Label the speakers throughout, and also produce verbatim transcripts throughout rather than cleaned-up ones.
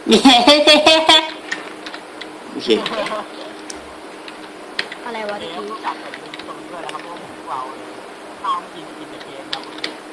Speaker 1: โอเค
Speaker 2: อะไรวะ
Speaker 3: เก
Speaker 2: ตะ
Speaker 3: ม
Speaker 2: กี้
Speaker 3: รู้จักแต่ลืมตรงด้วยนะครับพวกเราเลยข้าวกินกินแต่เกมครับ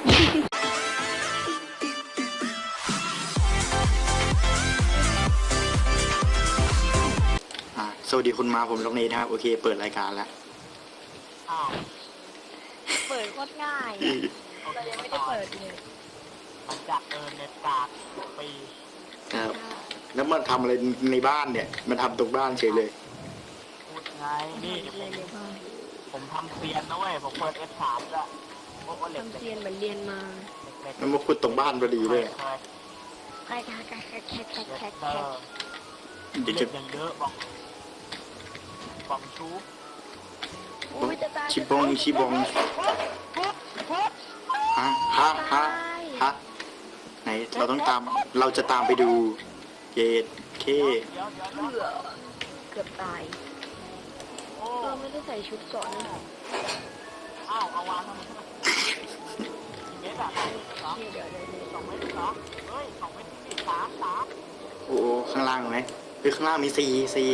Speaker 1: อ่าสวัสดีคุณมาผมลงนี้นะครับโอเคเปิดรายการแล้ว
Speaker 3: อ้าว
Speaker 2: เปิดโคตรง่ายเรายังไม่ได้เปิดเลย
Speaker 3: มันจากเออเน็ตกากปี
Speaker 1: ครับแล้วมันทำอะไรในบ้านเนี่ยมันทำตรงบ้านเฉยเลย
Speaker 3: พูดไงนี่ผ
Speaker 2: เลย
Speaker 3: ม
Speaker 2: เลยบ้าง
Speaker 3: ผมทำเซียนนะเว้ยผมเปิด เอฟ สาม แล้วโอ้โหเหล็ก
Speaker 2: ทำ
Speaker 3: เหล็ก
Speaker 2: เซียนเหมือนเรียนมา
Speaker 3: เหล็ก
Speaker 1: มันมาขุดตรงบ้านพอดี
Speaker 3: เค
Speaker 1: เลย ย
Speaker 3: เคย
Speaker 2: แคกแคกแคกแคกแคกแคก
Speaker 3: เย็
Speaker 2: แค
Speaker 3: ด
Speaker 2: ก
Speaker 3: เตอร์
Speaker 1: เดี๋ยว
Speaker 3: เหล็
Speaker 1: จะ
Speaker 3: กอย่างเยอะบอกบอกชู
Speaker 2: อุ้ยจะตาย
Speaker 1: ชิบองชิบองฮะฮะฮะฮะไหนเราต้องตามเราจะตามไปดูเกตเค
Speaker 3: เดี๋ยวเดี๋ยวเดี๋ยว
Speaker 2: เผื่อเกือบตาย
Speaker 3: โอ้
Speaker 2: เราไม่ได้ใส่ชุดเกราะนะ
Speaker 3: อ้าวเอาวางทำไมกี่เมตรอะสอง
Speaker 2: เดี๋ยวเดี๋ยวเดี๋ยวเดี๋ยว
Speaker 3: สองเมตรเหรอเฮ้ยสองเมตรนี่สามสาม
Speaker 1: โอ้โหข้างล่างไหมเฮ้ยข้างล่างมีสี่สี่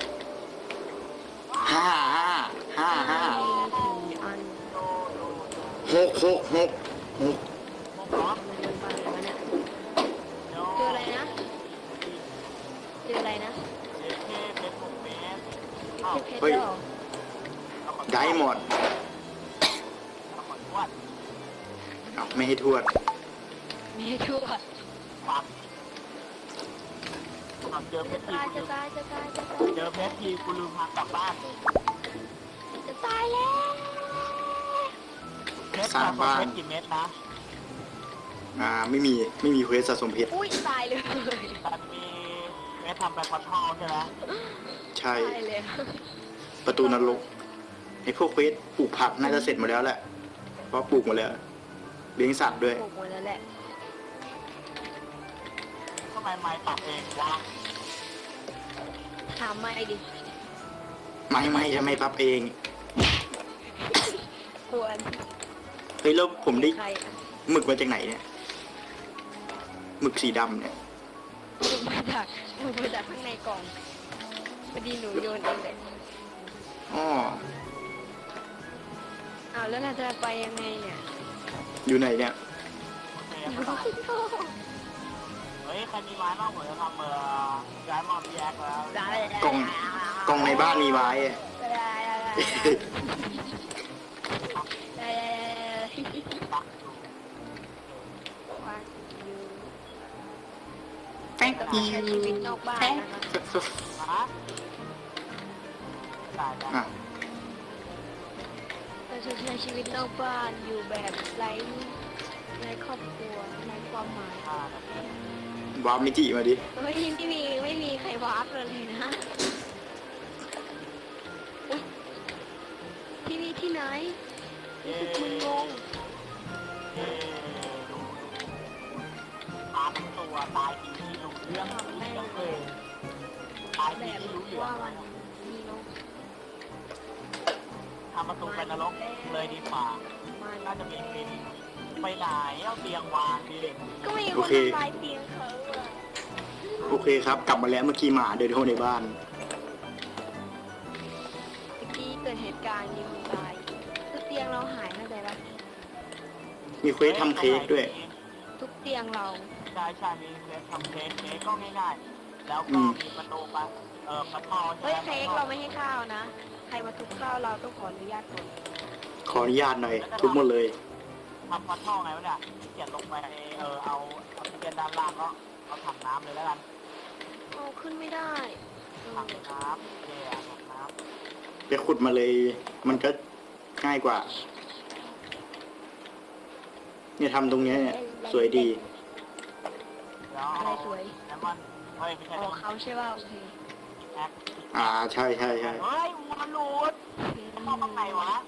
Speaker 1: ห้าห้าห้าห้า
Speaker 2: สี่อัน
Speaker 3: โดโดโด
Speaker 1: หกหกหกหก
Speaker 3: หกเหรอ
Speaker 2: มันเป็นไปอะไรวะเนี่ย
Speaker 3: เดี๋ยว
Speaker 2: เจออะไรนะเจออะไรนะ
Speaker 3: เจ็ดเคเป็นหกเมตรอ้าว
Speaker 2: เจอเพชรเหรอ
Speaker 3: เอาขอ
Speaker 1: ได้หมด
Speaker 3: เอาขอทวด
Speaker 1: เอาไม่ให้ทวด
Speaker 2: มีให้ทั่ว
Speaker 3: ปักเอาเจอเพ
Speaker 2: จะ
Speaker 3: ชรที
Speaker 2: ตาย
Speaker 3: กู
Speaker 2: จะ
Speaker 3: ลืม
Speaker 2: ตายจะตายจะตาย
Speaker 3: เจอเพชรทีกูลืมพากลับบ้านเลย
Speaker 2: จะตายแล้ว
Speaker 3: เพชร
Speaker 1: สร้าง
Speaker 3: สะสม
Speaker 1: บ้าน
Speaker 3: เพชรกี่เมตรนะ
Speaker 1: อ่าไม่มีไม่มีเควสสะสมเพชร
Speaker 2: อุ้ยตายเลย
Speaker 3: แต่มีเพชรทำไปคอนทอลใช่ไหม
Speaker 1: ใช่
Speaker 2: ตายเลย
Speaker 1: ประตูนรกไอ้พวกเควสปลูกผักน่าจะเสร็จหมดแล้วแหละเพราะปลูกหมดแล้วเลี้ยงสัตว์ด้วย
Speaker 2: ปลูกหมดแล้วแหละ
Speaker 3: ทำไมไม้ตัดเองวะ
Speaker 2: ถามไม่ดิ
Speaker 1: ไม่ไม่ทำไมพับเอง
Speaker 2: ควร
Speaker 1: เฮ้ยแล้วผมได้
Speaker 2: ใครอะ
Speaker 1: หมึกมาจากไหนเนี่ยหมึกสีดำเนี่ย
Speaker 2: ปลูกมาจากปลูกมาจากข้างในกล่องพอดีหนูโยนเองเลย
Speaker 1: อ้อ
Speaker 2: อ้าวแล้วเราจะไปยังไงเนี่ย
Speaker 1: อยู่ไหนเนี่ย
Speaker 3: โอเคครับเฮ้ยใครมีไม้บ้างผมจะทำเอ่อย้ายมอนแยกแล้ว
Speaker 2: ได้
Speaker 1: กล่องกล่องในบ้านมีไม้อะ
Speaker 2: ได้ได้ได้ได้
Speaker 3: ปักอยู่
Speaker 2: วางอยู่
Speaker 1: แป๊ก
Speaker 2: เรา
Speaker 1: อี
Speaker 2: ใช้ชีวิตนอกบ้านนะคะ
Speaker 3: ฮะตายแล้ว
Speaker 1: อ่ะ
Speaker 2: เราจะใช้ชีวิตนอกบ้านอยู่แบบไร้ไร้ครอบครัวไร้ความหมาย
Speaker 3: ห้านาที
Speaker 1: วาร์ปมิจิมาดิ
Speaker 2: เฮ้ยไม่มีไม่มีใครวาร์ปเลยนะอุ๊ยที่นี่ที่ไหนรู้สึกมึนงง
Speaker 3: เอ๊ะตามตัวตายทีที่รู้เรื่องแม่เลยตาย
Speaker 2: แบ
Speaker 3: ที
Speaker 2: บ
Speaker 3: ที่รู้เรื่อ
Speaker 2: ว่าง มันมีนก
Speaker 3: ทำประตูไปนรกเลยดีกว่า
Speaker 2: มา
Speaker 3: น่าจะมีฟินไปไหนเอาเตียงวางดิ
Speaker 2: ก็มีคนทำลายเตียงเขาอะ
Speaker 1: โอเคครับ กลับมาแล้วเมื่อกี้หมาเดินเข้าในบ้าน
Speaker 2: เมื่อกี้เกิดเหตุการณ์ยิงตายคือเตียงเราหายเข้าใจปะ
Speaker 1: มีเควสทำเค้กด้วย
Speaker 2: ทุกเตียงเรา
Speaker 3: ใช่ใช่มีเค้กทำเค้กเค้กก็ง่ายๆแล้ว
Speaker 1: อื
Speaker 3: ก็
Speaker 1: ม
Speaker 3: มีประตูปะเออประตูใช่
Speaker 2: เฮ้ย
Speaker 3: ไหม
Speaker 2: เค้กเราไม่ให้ข้าวนะ ใครมาทุบข้าวเราต้องขออนุญาตก่อน
Speaker 1: ขออนุญาตหน่อย ทุบหมดเลย
Speaker 3: ทำประตูไงวะเนี่ยเขียนลงไปเออเอาเอาที่เป็นด้านล่างก็เอาถังน้ำเลยแล้วกัน
Speaker 2: เอาขึ้นไม่ได้เออ
Speaker 3: ถังน้ำเย่ถังน้
Speaker 1: ไปขุดมาเลย มันก็ง่ายกว่า เนี่ยทำตรงเนี้ยเนี่ยสวยดี
Speaker 3: ำแล้ว
Speaker 2: อะไรสวย
Speaker 3: แล้วมันเฮ้ยไม่ใช่
Speaker 2: ข
Speaker 3: แล้
Speaker 2: องเขาใช่ป่ะโอเค
Speaker 3: แอค
Speaker 1: อ่าใช่ใช่ใช่
Speaker 3: เฮ้ยวัวหลุดมันเข้าข้างในวะ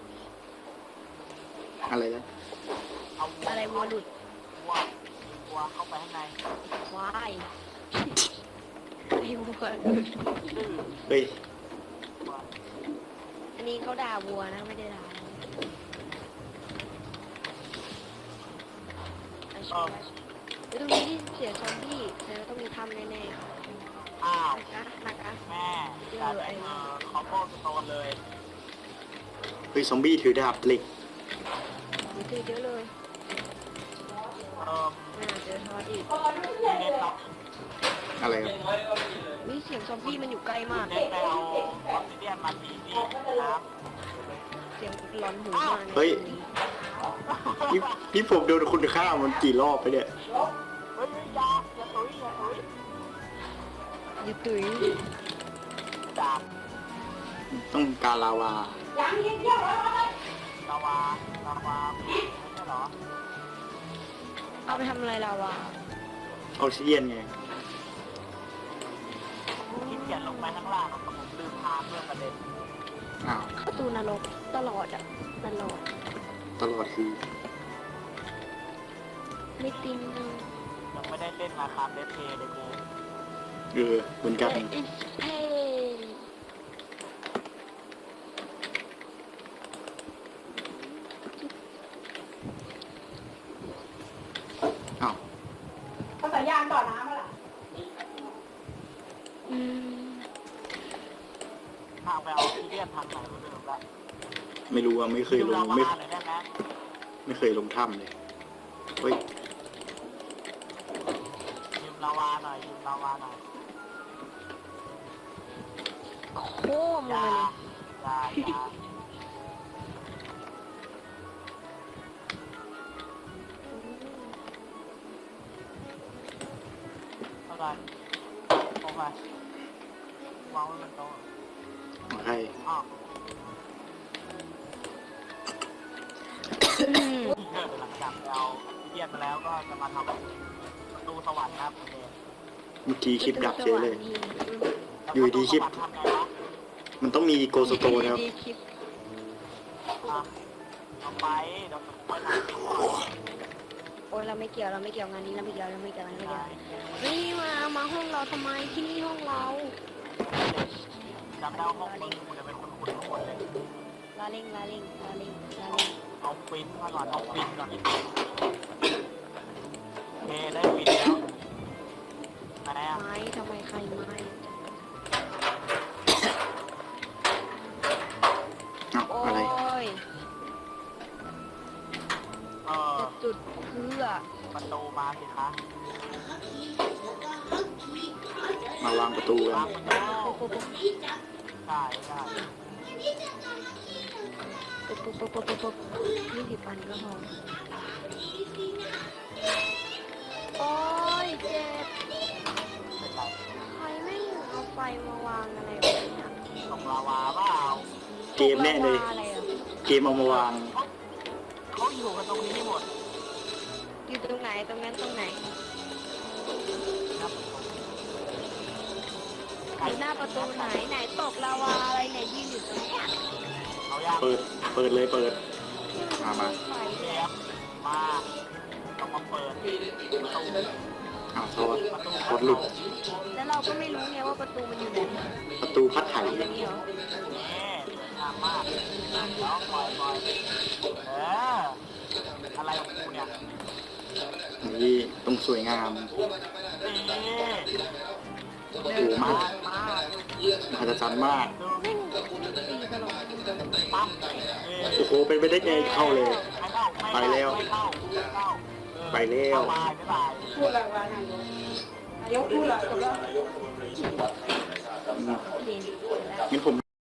Speaker 1: อะไรนะ
Speaker 3: เอาวัว
Speaker 2: อะไรวัวหลุด
Speaker 3: วัววัวเข้าไปข้างใน
Speaker 2: วายไอ้วัวหลุด
Speaker 3: ดื้อ
Speaker 1: เฮ้ย
Speaker 3: วัว
Speaker 2: อันนี้เขาด่าวัวนะไม่ได้ด่าเรา
Speaker 3: เออ
Speaker 2: ตรงนี้ที่เสียซอมบี้แต่ต้องมีทถ้ำแน่
Speaker 3: อ้าว
Speaker 2: ๆนะนะคะ
Speaker 3: แม่แต่ไอ้เออคอมโบสโตนเลย
Speaker 1: เฮ้ยซอมบี้ถือดาบเหล็ก
Speaker 2: มีเจอเยอะเลย
Speaker 3: เออ
Speaker 2: อ่าเจอทอดอีก
Speaker 3: พี่เล่นเนาะ
Speaker 1: อะไรครับ
Speaker 2: วิเสียงซอมบี้มันอยู่ใกล้มาก
Speaker 3: เล่นไปเอาออสซิเดียนมาตีนี่ครับ
Speaker 2: เสียงร้อนหูมาก
Speaker 1: เฮ้ยนี่นี่ผมโดนคุณฆ่ามันกี่รอบไปเนี่ย
Speaker 3: เฮ้ยอยาอย่าตุ้ยอย่าตุ้ย
Speaker 2: อย่าตุ๋ย
Speaker 3: ดาบ
Speaker 1: ต้องการลาวา
Speaker 3: ลาวาลาวาไม่ใช่เหรอ
Speaker 2: เอาไปทำอะไรเราวะ
Speaker 1: ออกซิเดียนไง
Speaker 3: ขี้เกียจลงไปข้างล่างหรอกผมลืมพาเพื่อนประเด็น
Speaker 1: อ้าว
Speaker 2: ประตูนรกตลอดอ่ะตลอด
Speaker 1: ตลอดคือ
Speaker 2: ไม่ติง
Speaker 3: ยังไม่ได้เล่นมาครับเดทเพย์เลยกู
Speaker 1: เออเหมือนกัน
Speaker 2: อิสเพน
Speaker 1: อ้าว
Speaker 4: ภาษายางต่อน้ำมาล่ะ
Speaker 2: อืม
Speaker 3: ทางไปเอาซีเรียสทางไหนก็เดิมละ
Speaker 1: ไม่รู้ว่าไม่เคย
Speaker 3: ยืม
Speaker 1: ล
Speaker 3: ลาง วา
Speaker 1: ไม่
Speaker 3: หน่อยได้ไหม
Speaker 1: ไม่เคยลงถ้ำเลยเฮ้ย
Speaker 3: ยืมลาวาหน่อยยืมลาวาหน่อย
Speaker 2: โค้มล
Speaker 3: อง ย่า
Speaker 2: ไปเลย
Speaker 3: อย่าอย่าเท่าไหร่โอเควางไว้บนโต๊ะ
Speaker 1: ของใคร
Speaker 3: อ้าว
Speaker 2: อืม
Speaker 3: หลังจากไปเอาซีเรียสมาแล้วก็จะมาทำประตูสวรรค์นะครับโอเค
Speaker 1: เมื่อกี้คลิปดับเฉยเลย
Speaker 3: แล้ว
Speaker 1: อยู่ดีคลิป
Speaker 3: ประตูสวรรค์ทำไงวะ
Speaker 1: มันต้องมีโกสโตนะครับ
Speaker 2: ดีคลิป
Speaker 3: อ่ะเอาไปเดี๋ยวไปทำก่อน
Speaker 2: โอ้ยเราไม่เกี่ยวเราไม่เกี่ยวงานนี้เราไม่เกี่ยวเราไม่เกี่ยวเราไม่เกี่ยว
Speaker 3: ได้
Speaker 2: เฮ้ยมามาห้องเราทำไมที่นี่ห้องเรา
Speaker 3: จำได้ว่าห้องมึงกูจะเป็นคนขุดทั้งหมดเลย
Speaker 2: ลาเล่งลาเล่งลาเล่งลาเล่ง
Speaker 3: เอาฟินมาก่อนเอาฟินก่อนโอเคได้ฟินแล้วไหนอ่ะ
Speaker 2: ไม้ทำไมใครไม้
Speaker 1: อ้าว
Speaker 2: โอ้
Speaker 1: อะไร
Speaker 2: ย
Speaker 3: เออ
Speaker 2: จะจุดเพื่อ
Speaker 3: ประตูมาสิคะ
Speaker 1: มาวางประตูกั
Speaker 3: วาน งมันแล้ว
Speaker 2: ปุ๊บปุ๊บ
Speaker 3: ได้ได้
Speaker 2: ปุ๊บปุ๊บปุ๊บปุ๊บปุ๊บปุ๊บยี่สิบอันก็พอโอ้ยเจ็บ
Speaker 3: เป็นไร
Speaker 2: ใครไม่เอาไฟมาวางอะไรแบบเนี้ย
Speaker 3: ตรงลาวาเปล่า
Speaker 1: เกมแน่เลย
Speaker 2: อะไรอ่ะ
Speaker 1: เกมเอามาวาง
Speaker 3: เขาเขาอยู่กันตรงนี้หมด
Speaker 2: อยู่ตรงไหนตรงนั้นตรงไหน
Speaker 3: ครับ
Speaker 2: อยู่หน้าประตูไหนไหนตกลาวาอะไรไหนยืนอยู่ตรงเนี้ย
Speaker 3: เอายาก
Speaker 1: เปิด เปิดเลยเปิด มามา
Speaker 2: ไฟ
Speaker 3: เรียบมาต้องมาเปิดประตู
Speaker 1: อ้าวโทษโคตรหลุด
Speaker 2: แล้วเราก็ไม่รู้ไงว่าประตูมันอยู่ไหน
Speaker 1: ประตูพัดไถ
Speaker 2: อย่างนี้เหรอ
Speaker 3: นี่สวยงามมากแล้วปล่อยปล่อยเอออะไรของกูเนี่ย
Speaker 1: นี่ต้องสวยงาม
Speaker 3: นี่
Speaker 1: โอ้โหมาก
Speaker 3: มาม
Speaker 1: หัศจรรย์มาก
Speaker 3: ดู
Speaker 2: แม่งตีตลอด
Speaker 3: ปั๊ม
Speaker 1: โอ้โห เป็นไปได้ไงเข้าเลย
Speaker 3: ไม่เข้า
Speaker 1: ไปแล้ว
Speaker 3: ไม่เข้าไม่เข้า
Speaker 1: ไปแล้ว
Speaker 3: เข้าไปไม่ไป
Speaker 4: พูดอะไรวะนายกนายกพูดอะไรจบแล้ว
Speaker 1: อืม
Speaker 2: โอเคเสร็จแล้ว
Speaker 1: งั้นผม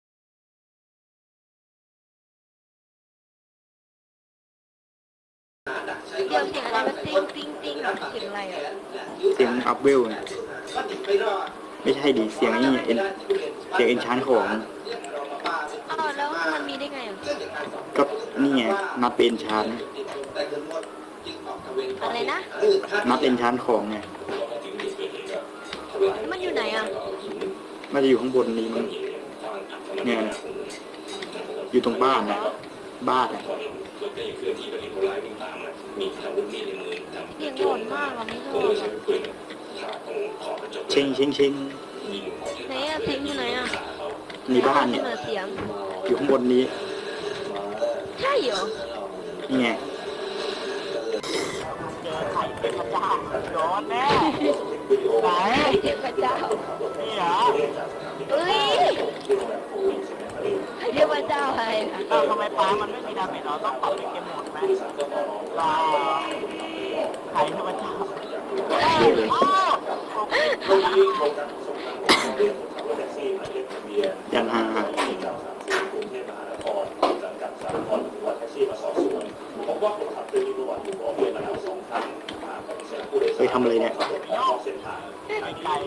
Speaker 2: เดี๋ยวเสียงอะไรมาติ้งติ้งติ้งเสียงอะไรอ่ะ
Speaker 1: เสียงอัพเวลไงไม่ใช่ดิเสียงนี่เอ็นเสียงเอ็นชานของ
Speaker 2: อ้าวแล้วมันมีได้ไงอ่ะ
Speaker 1: ก็นี่ไงนับเป็นชาน
Speaker 2: อะไรนะ
Speaker 1: นับเอ็นชานของไง
Speaker 2: แล้วมันอยู่ไหนอ่ะ
Speaker 1: น่าจะอยู่ข้างบนนี้มั้งเนี่ยอยู่ตรงบ้านนะบ้านนะ
Speaker 2: เสียงหลอนมากอ่ะไม่ชอบอ่ะ
Speaker 1: เชิงเชิงเชิง
Speaker 2: ไหนอ่ะเสียงอยู่ไหนอ่ะ
Speaker 1: ในบ้านเนี่ย
Speaker 2: ไหเสียง
Speaker 1: อยู่ข้างบนนี้
Speaker 2: ใช่เหรอ
Speaker 1: นี่ไง
Speaker 3: เจอไข่เป็นพระเจ้าโดนแน่ไหน
Speaker 2: เทพเจ้า
Speaker 3: นี่เหรอ
Speaker 2: เอ้ยเทพเจ้าอะไรนะ
Speaker 3: เออทำไมปลามันไม่มีดาเมจเราต้องปรับเป็นเกมโหมดไหมรอไข่เทพเจ้าโอ้
Speaker 1: อย่างฮา ไปทำอะไรเนี่ย
Speaker 3: ไก่ไก่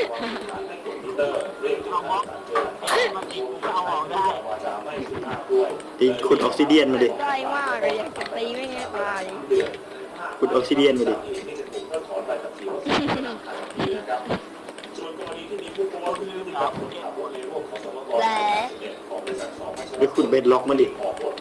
Speaker 3: เอาบล็อกมันติดกูเอาออกได้
Speaker 1: ตีขุดออกซิเดียนมาดิ
Speaker 2: ได้มากเลยอยากจะตีไม่ไงตาย
Speaker 1: ขุดออกซิเดียนมาดิ
Speaker 2: และ
Speaker 1: ไปขุดเบดล็อกมาดิ
Speaker 3: ใคร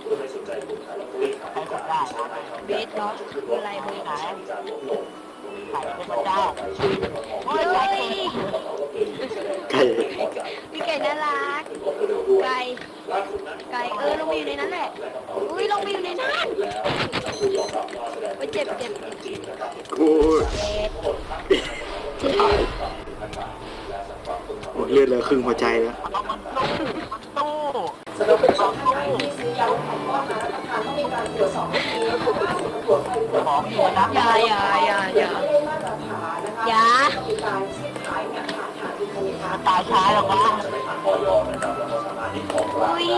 Speaker 3: กดได้
Speaker 2: เบสล็อกคืออะไรเบส
Speaker 3: ไหนไข่เทพเจ้าโอ้ย
Speaker 2: เฮ้
Speaker 3: ไก่
Speaker 2: ย
Speaker 1: ไก่
Speaker 2: พี่ไก่น่ารักไก่ไก่เออลงไปอยู่ในนั้นแหละอุ้ยลงไปอยู่ในนั้นไปเจ็บเจ็บ
Speaker 1: โอ้ย
Speaker 2: เจ็บเจ็บ
Speaker 1: หมดเลือดแล้วครึ่งหัวใจแล้ว
Speaker 3: เอามันตู้มันตู้
Speaker 4: สำหรับผู้ชมท่านไหนที่ซื้อยาลดความอ้วนมารับประทานต้องมีการตรวจสอบให้ดีนะคะว่าผลตรวจไฟตรวจ
Speaker 3: ของอยู่นะ
Speaker 2: อย่าอย่าอย่าอย่า
Speaker 4: ไม่ได้มาตรฐานนะคะ
Speaker 2: อย่า
Speaker 4: มีการซื้อขายเนี่ยผ่านทางอินเทอร์เน็ตนะคะ
Speaker 3: ตายช้าแล้วมั้ง
Speaker 2: อุ้ย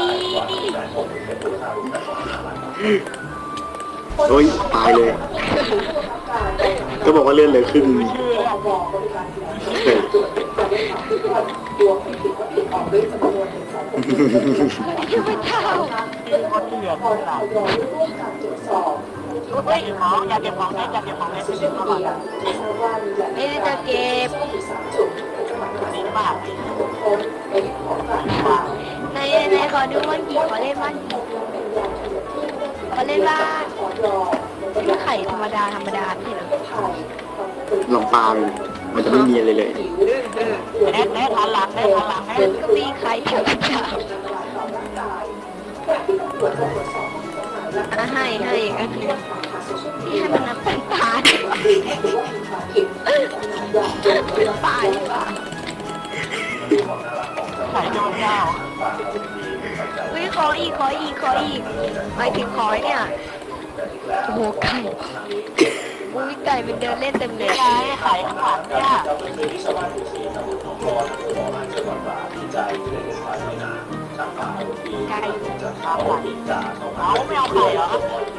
Speaker 1: โอ้ยตายเลย ก็บอกว่าเลือดเหลือครึ่ง
Speaker 3: ชื่อแล้ว
Speaker 4: บอกบริการที่ไหนตรวจเป็นการได้ทำที่ตรวจตัวผู้ผิดว่าผิดออกด้วยจำนวนถึงสองคน
Speaker 2: เทพเจ้า
Speaker 3: เป็นคนเถื่อน
Speaker 4: พอ
Speaker 3: หลั
Speaker 4: เรา
Speaker 3: บ
Speaker 4: ยอมร่วมการตรวจสอบ
Speaker 3: เฮ้ยของอยากเก็บของเล่นอยากเก็บของเล่นไป
Speaker 4: โซ
Speaker 3: เล่น
Speaker 4: เชียล
Speaker 3: มา
Speaker 4: มี
Speaker 3: ก่อน
Speaker 4: เดียที่ทราบว่ามีแหล่ง
Speaker 2: ไม่ได้จะเก็บ
Speaker 4: อยู่สามจุดในจังหวัดมหาสาร
Speaker 3: ดี
Speaker 4: คาม
Speaker 3: มาก
Speaker 4: คนในของกลางค่ะ
Speaker 2: ในในขอดูบ้านกี่ขอเล่นบ้านกี่ขอเล่นบ้านนี่ไข่ธรรมดาธรรมดาไม่ใช่เหรอ
Speaker 1: ลองปลาเลยมันจะไม่มีอะไรเลย
Speaker 3: แน่แน่ทันหลังแน่ทันหลังแน่
Speaker 2: มันก็มีไข่เทพเจ้าอ่ะให้ให้อีกอันหนึงที่ให้มันน้ำเป็นปลาดีกว่าเป็นปลาดีกว่า
Speaker 3: ไข่เจ้าเจ้า
Speaker 2: เฮ้ยขออีกขออีกขออีกหมายถึงขอเนี่ยโอ้โหไก่อุ้ยไก่มันเดินเล่นเต็มเลย
Speaker 3: ไงไข่ข้างหลังเนี่ย
Speaker 2: ไก่
Speaker 3: เอาไข่เอาไม่เอาไข่เหรอ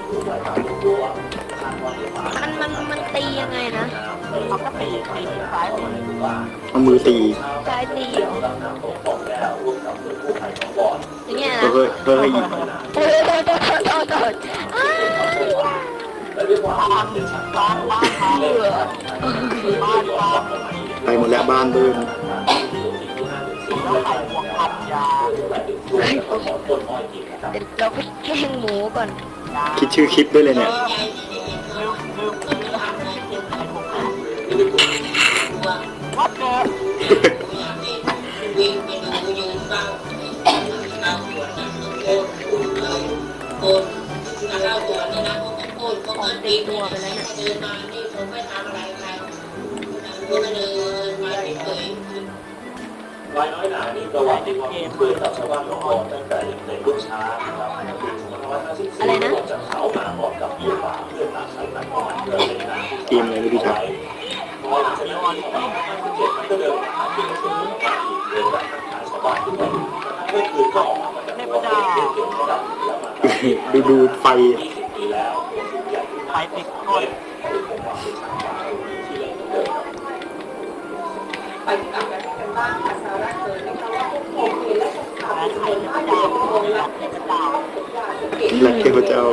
Speaker 2: มันมันมันตียังไงนะ
Speaker 3: เอาก็ตีตีซ้ายมือ
Speaker 1: เอามือตี
Speaker 2: ใช้ตีเหรออย่างเงี้ยนะ
Speaker 1: เฮ้ยเฮ้ย
Speaker 2: โอ้ยโดนโดนโดนโดนโดนอ้าว
Speaker 3: บ้านบ้านบ้านเขาบ้านเขา
Speaker 1: ไปหมดแล้วบ้านเบิ้ล
Speaker 3: แล้วไข่พวกพันยา
Speaker 2: เดี๋ยวเราไปแกล้งหมูก่อน
Speaker 1: คิดชื่อคลิปด้วยเลยเนี่ย
Speaker 3: ลืมลืมลืมไข่พวกพันวัดเกิด
Speaker 2: ของเต็มตัวไปแล้วเนี่ย
Speaker 5: วายน้อยหนามีประวัติที่ความคุ้นเคยกับชาวบ้านของเราตั้งแต่ยังเป็นลูกช้างนะครับในปีสองพันห้าร้อยห้าสิบสี่
Speaker 2: อะไรนะ
Speaker 5: จากเขามาพร้อมกับยืนป่าเพื่อตามใช้หนักประมาณเดือนเลยนะ
Speaker 1: เกมอะไรไม่รู้จัก
Speaker 5: พอหลังจากนั้นปีสองพันห้าร้อยห้าสิบเจ็ดมันก็เดินหาที่จะถึงมาอีกเดินแบบทักทายชาวบ้านทุกวันเมื่อคืนก็ออกมาจากตัวเด็กเก่งระดับแล้วมา
Speaker 1: ดูดูไฟ
Speaker 5: ยี่สิบปีแล้วทุกอย่างที่
Speaker 3: ไข่ติดก้น
Speaker 5: เป็นของความเป็นช้างป่าที่เล่นเดิม
Speaker 4: ไปที่ต่างประเทศกันบ้างค่ะสาระเผยนะคะว่าผู้พบเห็นและศึกษา
Speaker 3: และ
Speaker 4: เป็น
Speaker 3: ไข่
Speaker 4: คน
Speaker 3: เทพ
Speaker 4: มาก
Speaker 3: เจ้า
Speaker 4: เกิน
Speaker 3: และ
Speaker 4: และ
Speaker 3: เทพเจ้า
Speaker 1: และเทพเจ้า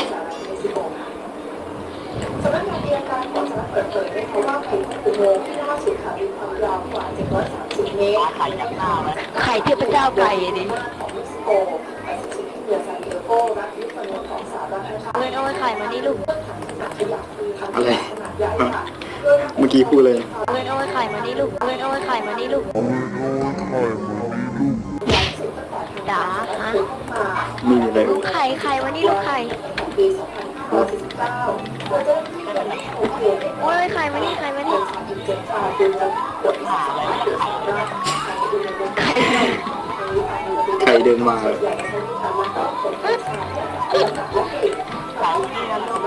Speaker 4: สำนักงานอัยการของสหรัฐเปิดเผยนะคะว่าไข่ของอุโมงค์ที่ล่าสุดค่ะมีความยาวกว่าเจ็ดร้อยสามสิบเมตร
Speaker 3: ไข่ยักษ์หน้าไว้
Speaker 2: ไข่เทพเจ้าไก่ดิ
Speaker 4: ของเม็กซิโกไปสู่ที่เหนือซานดิเอโกรัฐลิฟอร์นีของสหรัฐนะคะ
Speaker 2: เอ้ยเอาไว้ไข่มานี่ลูก
Speaker 4: ถังขนาดขยะคือถัง
Speaker 1: อะไร
Speaker 4: ขนาดใหญ่ค่ะ
Speaker 1: เมื่อกี้พูดเลย
Speaker 2: เอ้ยเอาไว้ไข่มานี่ลูกเอ้ยเอาไว้ไข่มานี่ลูกจ๋าฮะ
Speaker 1: มีอะไร
Speaker 2: ลูกไข่ไข่มานี่ลูกไข่
Speaker 4: ของปีสองพันห้าอสี่สิบเก้าโดยเจ้าหน้าที่ได้โอเคได้
Speaker 2: โอ้ยใครมานี่ใครมานี่
Speaker 4: สามสิบเจ็ดรายโดยจะกด
Speaker 3: หาอะไรไม่ไข่เลย
Speaker 1: ใครเดินมา
Speaker 3: ไข่นี่นะลู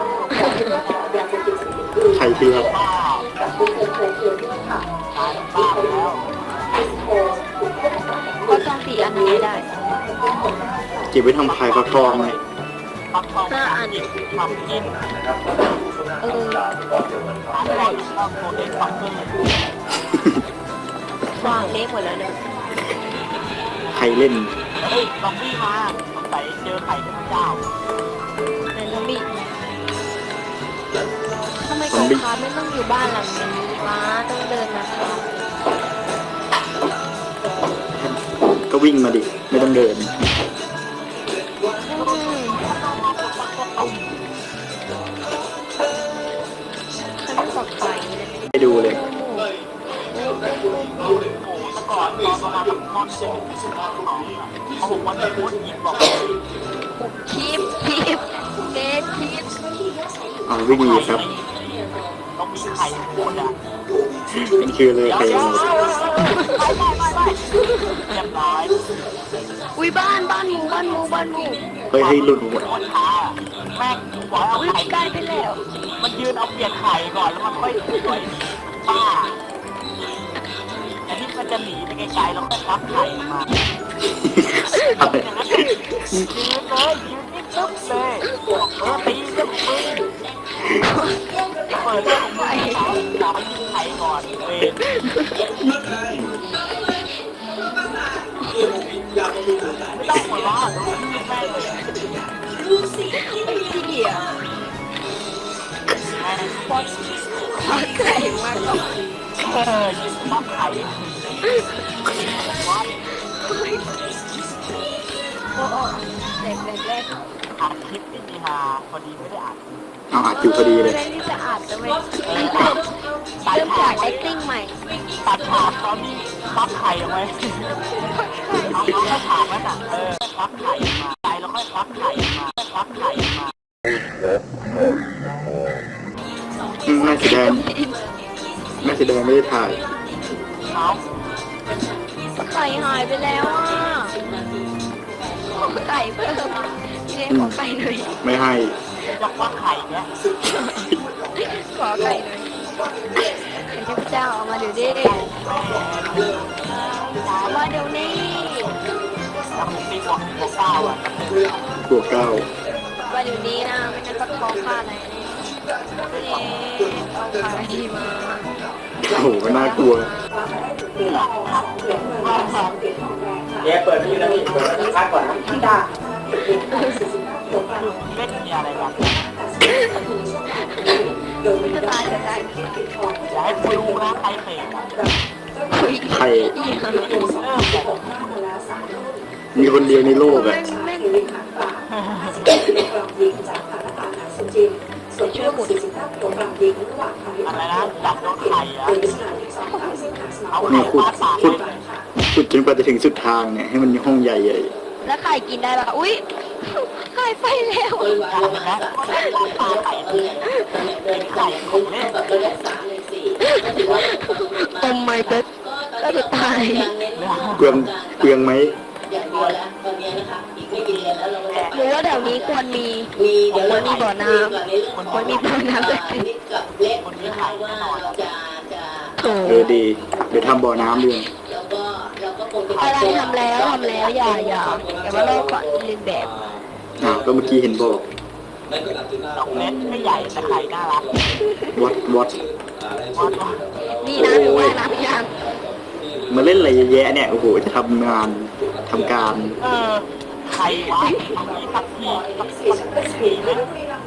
Speaker 3: ก
Speaker 1: ใครเที่ยว
Speaker 3: บ้า
Speaker 4: กับผู้เคยเคยเที่ยวที่ค่ะ
Speaker 3: ตายบ้าแล้ว
Speaker 2: ก็ต้องสี่อันนี้ได้
Speaker 1: เก็บไว้ทำพายฟักทองเลย
Speaker 3: ฟักทองอันนี้ทำกิน
Speaker 2: เออ
Speaker 3: ร้านแรกชอบโมเดลฟักเกอร์
Speaker 2: วางเล็กหมดแล้วเนี่ย
Speaker 1: ใครเล่น
Speaker 3: เฮ้ยซอมบี้มาสงสัยเจอไข่เทพเจ้า
Speaker 2: ในซอมบี้ทำไมกองคาไม่ต้องอยู่บ้านหลังนี้วะต้องเดินมาทาง
Speaker 1: ก็วิ่งมาดิ ไม่ต้องเดิน
Speaker 2: อืมฉันไม่ปลอดภัยเลย
Speaker 1: ไปดูเลย
Speaker 3: โอ้โหแต่ก่อนตอนประมาณแบบมอนเจ็ดสิบมอนสองอะเขาบอกว่าในพุทธยิงบอก
Speaker 2: คลิปคลิปเกตคลิป
Speaker 1: เอาวิ่งหนีครับ
Speaker 3: ต้องมีไข่พูดอ่ะ
Speaker 1: เป็นคือเลย
Speaker 3: เดี๋ยว
Speaker 1: ใคร
Speaker 3: เดี๋ยว
Speaker 1: เอา
Speaker 3: ไม่ไม่ไม่ไม่เรียบร้อย
Speaker 2: อุ้ยบ้านบ้านหมูบ้านหมูบ้านหมู
Speaker 1: เฮ้ยให้หลุดหมด
Speaker 3: คนท้าแม่งบอกให้เอา
Speaker 2: อุ้ย
Speaker 3: ไข่
Speaker 2: ใกล้ไปแล้ว
Speaker 3: มันยืนเอาเปลี่ยนไข่ก่อนแล้วมันค่อยสวยป้าแต่ที่มันจะหนีไปไกลๆแล้วก็รับไข่มา
Speaker 1: อะไร
Speaker 3: อย่างนั้นยืนเลยยืนนิ่งปึ๊บเลยเออตีเรื่องมึงเปิดเรื่องของมึงขอขอยิงไข่ก่อนเว้ยไม่ต้องหัวเราะดูที่แม่เลย
Speaker 2: ไอ้เหี้ย
Speaker 3: แม่ง
Speaker 2: ปอดปอดไก่มากเลย
Speaker 3: เออยิงปั๊บไข่วัด
Speaker 2: โอ้โอ้เด็กเด็กเล็ก
Speaker 3: อัดคลิปนี่มีฮาพอดีไม่ได้อัด
Speaker 1: เอาอัดอยู่พอดีเลย
Speaker 2: เรื่องที่จะอาจจะไม่
Speaker 3: เออ
Speaker 2: เริ่ม
Speaker 3: ตัด
Speaker 2: จาก
Speaker 3: ฉาก
Speaker 2: acting ใหม่
Speaker 3: ตัดฉากตอนนี้ปั๊บไข่เอาไว้เอาเอาแค่ฉากนั้นอ่ะเออปั๊บไข่มาใจแล้วค่อยปั๊บไข่มาปั๊บไข่มา
Speaker 1: อืมแม่สีแดงแม่สีแดงไม่ได้ถ่าย
Speaker 3: เอา
Speaker 2: ไข่หายไปแล้วอ่ะขอไก่เพิ่มเจ๊ขอไก่หน่อย
Speaker 1: ไม่ให้
Speaker 3: จะปั๊บไข่เนี้ย
Speaker 2: ขอไก่หน่อยไข่เทพเจ้าเอามาเดี๋ยวดิเอามาเดี๋ยวนี้
Speaker 3: แล้วผมตีบอกบอกเก้าอ่ะ
Speaker 1: บวกเก้า
Speaker 2: มาเดี๋ยวนี้นะไม่งั้นก็ท้องฆ่าอะไรนี่เอาไข่มา
Speaker 1: โอ้โหก็น่ากลัว
Speaker 5: เนี่ยเปิดที่นั่นนี่เปิดพักก่อนนะ
Speaker 3: เล่นมีอะไรกัน
Speaker 2: จะตายจะตาย
Speaker 3: อย่าให้กูรู้นะใครเตะอะ
Speaker 2: คุย
Speaker 1: ใคร
Speaker 3: เริ่มแบบ
Speaker 1: มีคนเดียวในโลก
Speaker 2: แม่
Speaker 1: อ่ะ
Speaker 2: งแม่ง
Speaker 4: ส่วนช่วงสี่สิบห้าตัวกลางยิงระหว่างทาง
Speaker 3: อะไรนะจับโดนไข่อะ
Speaker 4: เป็นสถานที่สองสามสิบห้าส
Speaker 3: เอา
Speaker 1: นี่
Speaker 3: ไข่
Speaker 1: ขุด
Speaker 3: ฟาดปาก
Speaker 1: ขุด
Speaker 3: เลย
Speaker 1: ขุดจนกว่าจะถึงสุดทางเนี่ยให้มันมีห้องใหญ่ใหญ่
Speaker 2: แล้วไข่กินได้ปะอุ้ยไข่ไปแล้ว
Speaker 3: จับนะก็ได้ฟาดปากไข่เลยเป็นไข่ของเล่น
Speaker 2: โอ้ไม่ก็ก็จะตาย
Speaker 1: เปลืองเปลืองไหม
Speaker 2: หรือว่าแถวนี้ควรมีควรมีบ่อน้ำควรมีบ่อน้ำสักที
Speaker 3: คนมีไข่แน่นอนอะ
Speaker 2: โถ
Speaker 1: เออดีเดี๋ยวทำบ่อน้ำด้วย
Speaker 2: อะไรทำแล้วทำแล้วอย่าอย่าอย่ามาลอกก่อนเรียนแบบ
Speaker 1: อ้าวก็เมื่อกี้เห็นบอก
Speaker 3: ดอกเล็กไม่ใหญ่แต่ไข่น่ารัก
Speaker 1: วัดวัด
Speaker 3: วัดว่า
Speaker 2: นี่นะหรือว่าน้ำยัง
Speaker 1: มาเล่นอะไรเยอะแยะเนี่ยโอ้โหจะทำงานทำการ
Speaker 3: เออไข่วะตรงนี้สักทีสักสักทีไหม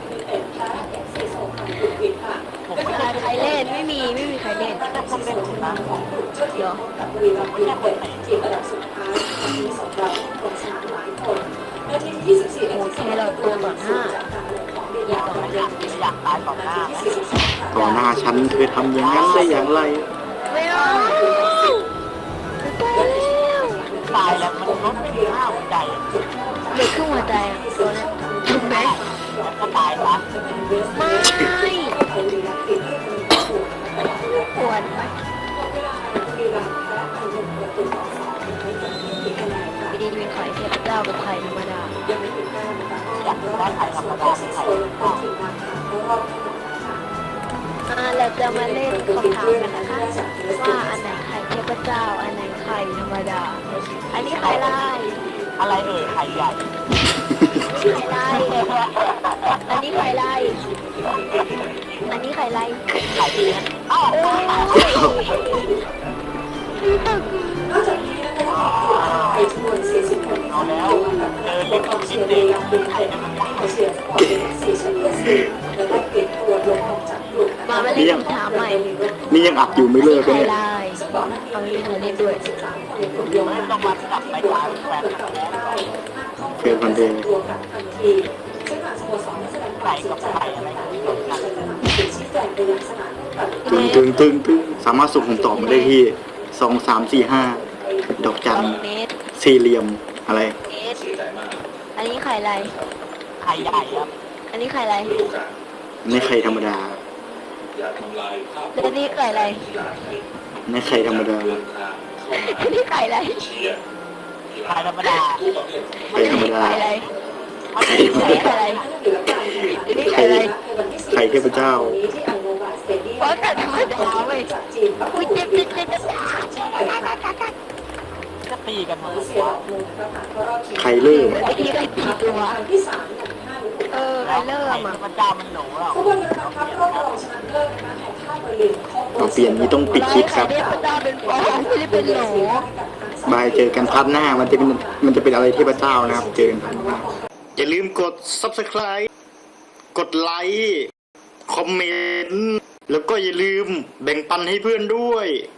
Speaker 3: ผมไม่ได้
Speaker 2: ใครเล่นไม่มีไม่มีใครเล่น
Speaker 3: ไม่ได้คนเล่นนะ
Speaker 2: เดี๋ยว
Speaker 3: ไม่ใช่คนไหน
Speaker 4: ทีมระดับสุดท้ายมีสองเราคนชนะหลายคนนาทีที่สิบสี่
Speaker 2: โอ้แค่เราตัวต่อหน้า
Speaker 3: อยากอยากอยากตายต่อหน้าไหม
Speaker 1: ต่อหน้าฉันเธอทำอย่างนั้นได้อย่างไร
Speaker 2: ไม่เอาตายแล้ว
Speaker 3: ตายแล้วมันลดไม่ถึงห้าหัวใจ
Speaker 2: เหลือครึ่งหัวใจอ่ะตัวเนี้ยถูกไหม
Speaker 3: ไแล้วก็ตายซะ
Speaker 2: ไม่ควรไปดีดีเป็นไข่เทพเจ้ากับไข่ธรรมดา
Speaker 3: อยากได้ไข่ธรรมดาไข่
Speaker 2: อ่าเราจะมาเล่นคำถามกันนะคะว่าอันไหนไข่เทพเจ้า อันไหนไข่ธรรมดา อันนี้ไข่ลาย
Speaker 3: อะไรเอ่ยไข่ใหญ่
Speaker 2: ไข่ลายอันนี้ไข่ลายอันนี้ไข่ลาย
Speaker 3: ไข่เลี้ยงอ้าว
Speaker 2: โอ้ย
Speaker 4: นอกจากนี้นะคะไปจำนวนสี่สิบคน
Speaker 3: เอาแล้วเจอเล็ก
Speaker 4: กอง
Speaker 3: ชิ
Speaker 4: เชี
Speaker 3: ด
Speaker 4: ยร์
Speaker 3: เด็ก
Speaker 4: ยังเป็นไทยนะคะเชียร์สปอร์ตสี่สิบเปอร์เซ็นต์และได้เปลี่ยนตัวลงออกจากกลุ่ม
Speaker 2: มามาเล่นคำถามใหม่
Speaker 1: นี่ยังอัดอยู่ไม่เลิกเลย
Speaker 2: ไข่
Speaker 1: เนี่ย
Speaker 2: ลายเอาเล่นมาเล่นด้วย
Speaker 3: ไม่ต้องมาจับไปตายแฟนกันแล้ว
Speaker 1: เฟซพันเดย์
Speaker 4: ตัวกับทันทีซึ่งทางสโมสรได้แสดงความเสียใจอะไรที่เกิดขึ้นชี้แจงไปยังสถานทูต
Speaker 1: ตึงตึงตึงตึงสามารถส่งผมตอบมาได้ที่สองสามสี่ห้าดอกจัน
Speaker 2: เมตร
Speaker 1: สี่เหลี่ยมอะไร
Speaker 2: เมตรอันนี้ไข่ลาย
Speaker 3: ไข่ใหญ่ครับ
Speaker 2: อันนี้ไข่ลาย
Speaker 1: ในไข่ธรรมดา
Speaker 2: อันนี้ไข่ลาย
Speaker 1: ในไข่ธรรมดา
Speaker 2: อันนี้ไข่ลาย
Speaker 3: ไข่ธรรมดา
Speaker 1: ไข่ธรรมดา
Speaker 2: ไข่ลาย
Speaker 3: เอาไป
Speaker 2: อันนี้ไข่ลายอันนี้ไข่ลาย
Speaker 1: ไข่เทพเจ้า
Speaker 2: เพราะแต่ธรรมดาเว้ยอุ้ยเจ็บเจ็บเจ็บเจ็บ
Speaker 3: จะตีกันหมด
Speaker 1: ไข่เลื่อม
Speaker 2: เมื่อกี้ได้กี่ตัว
Speaker 4: ที่สามอย่างห้าหรือหก
Speaker 2: เออไข่เริ่ม
Speaker 3: ไข่
Speaker 2: อ่ะ
Speaker 3: ธรรมดามันหนูหรอก
Speaker 4: ขบวนเรือนะครับรอบรองชนะเลิศนะคะของค่ายเบอร์ลินของ
Speaker 1: เราเปลี่ยนนี้ต้องปิดคลิปค
Speaker 2: ไข่
Speaker 1: รับ
Speaker 2: เทพเจ้าเป็นฟองไม่ได้เป็นโหล
Speaker 1: บายเจอกันพัดหน้ามันจะเป็นมันจะเป็นอะไรเทพเจ้านะครับ เจอกันพัดหน้าอย่าลืมกด ซับสไครบ์ กดไลค์ คอมเมนต์ แล้วก็อย่าลืมแบ่งปันให้เพื่อนด้วย